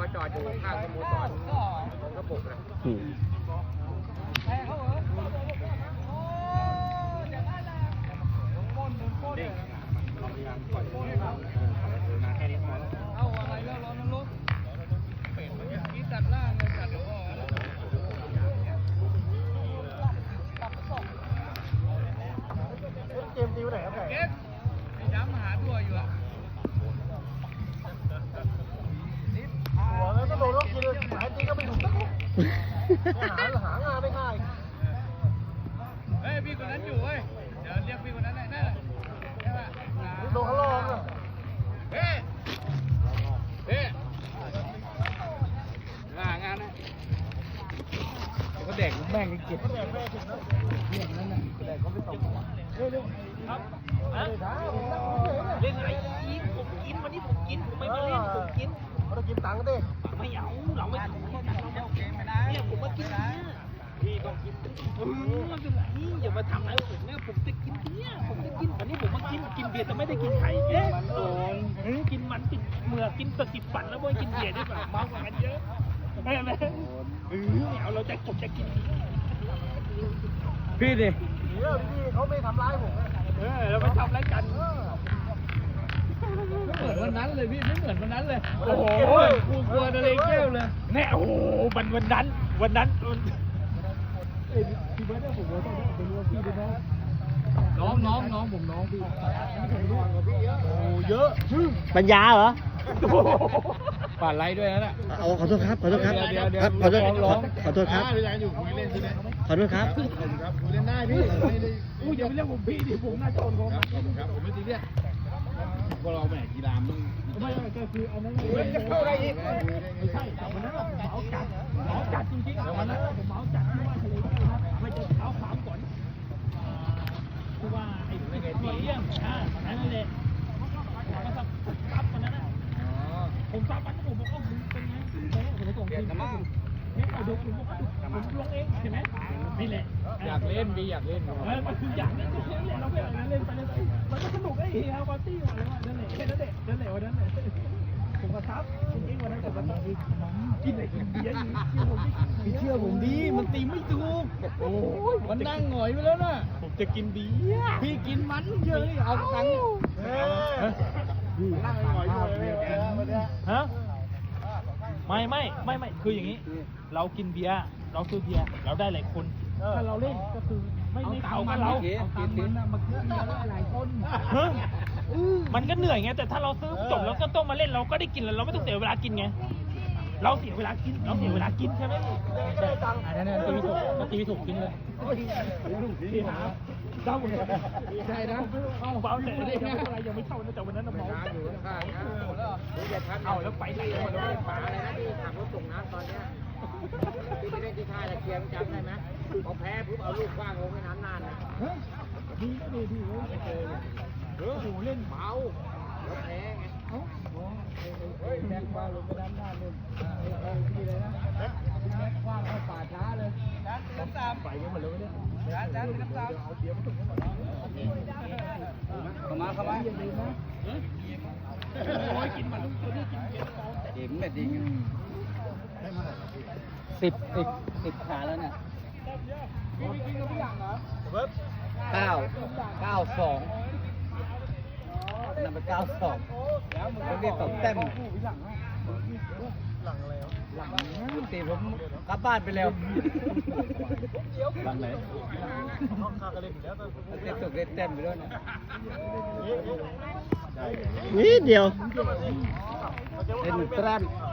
จอดอยู่ข้างสโมสรของกระปุกนะเอาอะไรแล้วร้อนนั้นลุกเป็ดมันกินตัดล่างเลยตัดหัวเกมตีวันไหนครับแขกเก๊กไอ้ดำหาตัวอยู่อ่ะหัวแล้วก็โดนล็อกกินเลยหายจริงก็ไม่ถูกสักคนหางานไม่ง่ายเฮ้ยพี่คนนั้นอยู่เว้ยเดี๋ยวเรียกพี่คนนั้นหน่อยนะใช่ป่ะโดนเขาลองอ่ะเฮ้ยเฮ้ยงานนะก็แดกแม่งเก็บเขาแดกแม่ถึงนะเรื่องนั้นน่ะแดกเขาไม่ตกเร็วๆครับเล่นอะไรกินผมกินวันนี้ผมกินผมไม่มาเล่นผมกินเขาต้องกินตังค์ดิไม่เอาเราไม่ถูกเนี่ยผมมากินเนี่ยพี่ก็กินไม่เป็นไรอย่ามาทำอะไรผมเนี่ยผมจะกินเนี่ยผมจะกินวันนี้ผมมากินเบียร์แต่ไม่ได้กินไข่เอ๊ะโดนกินมันติดเมือกกินตะกิบปั่นแล้วไม่กินเบียร์ดีกว่าเมากว่ากันเยอะไม่ไหมไม่เอาเราจะผมจะกินพี่ดิพี่เขาไม่ทำร้ายผมเราไม่ทำร้ายกันเหมือนวันนั้นเลยพี่ไม่เหมือนวันนั้นเลยโอ้โหกูกลัวทะเลแก้วเลยแน่โอ้โหวันนั้นพี่เบิร์ดเนี่ยผมว่าต้องเป็นลูกพี่ด้วยนะน้องผมน้องพี่โอ้เยอะปัญญาเหรอป่าดไล่ด้วยนั่นแหละเอาขอโทษครับ ขอโทษครับเดี๋ยวครับขอโทษร้องขอโทษครับพี่แดงอยู่คุยเล่นใช่ไหมขอโทษครับครับคุยเล่นได้พี่ไม่ได้อู้อย่าไปเรียกผมพี่ดิผมน่าจะโอนผมครับขอบคุณครับผมไม่ซีเรียสพวกเราแหมกีฬามึงไม่ก็คืออันนั้นจะเข้าอะไรอีกไม่ใช่แต่วันนั้นผมเหมาจัดจริงๆแต่วันนั้นผมเหมาจัดที่ว่าทะเลแก้วนะไม่จะเท้าขาวก่อนคือว่าไอ้ปีเยี่ยมนั่นแหละผมก็ซับวันนั้นผมซับวันผมบอกว่ามึงเป็นไงผมจะส่งทีมเนี่ยเอาดูผมบอกว่าผมลงเองเห็นไหมนี่แหละอยากเล่นบีอยากเล่นมันคืออยากเล่นเราไม่อยากเล่นไปเลยมันก็สนุกไอ้เฮียปาร์ตี้มาเลยว่านั่นแหละแค่นั้นแหละวันนั้นผมก็ซับจริงๆวันนั้นแต่วันนี้กินอะไรกินเบียร์พี่เชื่อผมดีมันตีไม่ถูกโอ้ยมันนั่งหงอยไปแล้วน่ะผมจะกินเบียร์พี่กินมันเยอะเอาตังค์นั่งหน่อยด้วยฮะไม่คืออย่างนี้ เรากินเบียร์เราซื้อเบียร์เราได้หลายคนถ้าเราเล่นก็คือไม่เขากับเราเอาตังค์มันมาซื้อเบียร์ได้หลายคนมันก็เหนื่อยไงแต่ถ้าเราซื้อจบแล้วก็ต้องมาเล่นเราก็ได้กินแล้วเราไม่ต้องเสียเวลากินไงเราเสียเวลากินใช่ไหมอันนั้นตีถูกกินเลยพี่หาเจ้าใช่นะเอาเบาเลยอะไรยังไม่เข้านะแต่วันนั้นเมาอยู่ข้างๆเอาแล้วไปไหนหมดเลยป่าอะไรนะที่ขับรถส่งน้ำตอนเนี้ยที่ไปเล่นที่ท่าตะเกียงจำได้ไหมพอแพ้ปุ๊บเอาลูกคว้างลงในน้ำนานนะดีไม่เจอโอ้โหเล่นเมาแล้วแพ้ไงเฮ้ยแม็กบ้าลงไปด้านหน้าเลยพี่เลยนะแม็กคว้างเข้าป่าช้าเลยน้ำตามไปกันหมดเลยเนี่ยน้ำตามเอาเดี๋ยวมาถึงกันหมดแล้วเข้ามาอย่าลืมนะโอ้ยกินมันตัวนี้กินเบียร์ปลอมแต่เอ็มเนี่ยดี10ขาแล้วเนี่ยกินกับพี่หลังเหรอ 992นำไป92ผมเรียกตบเต็มหลังตีผมกลับบ้านไปแล้วหลังไหนเต็มตกเต็มไปด้วยนะนิดเดียวเอ็นแตรม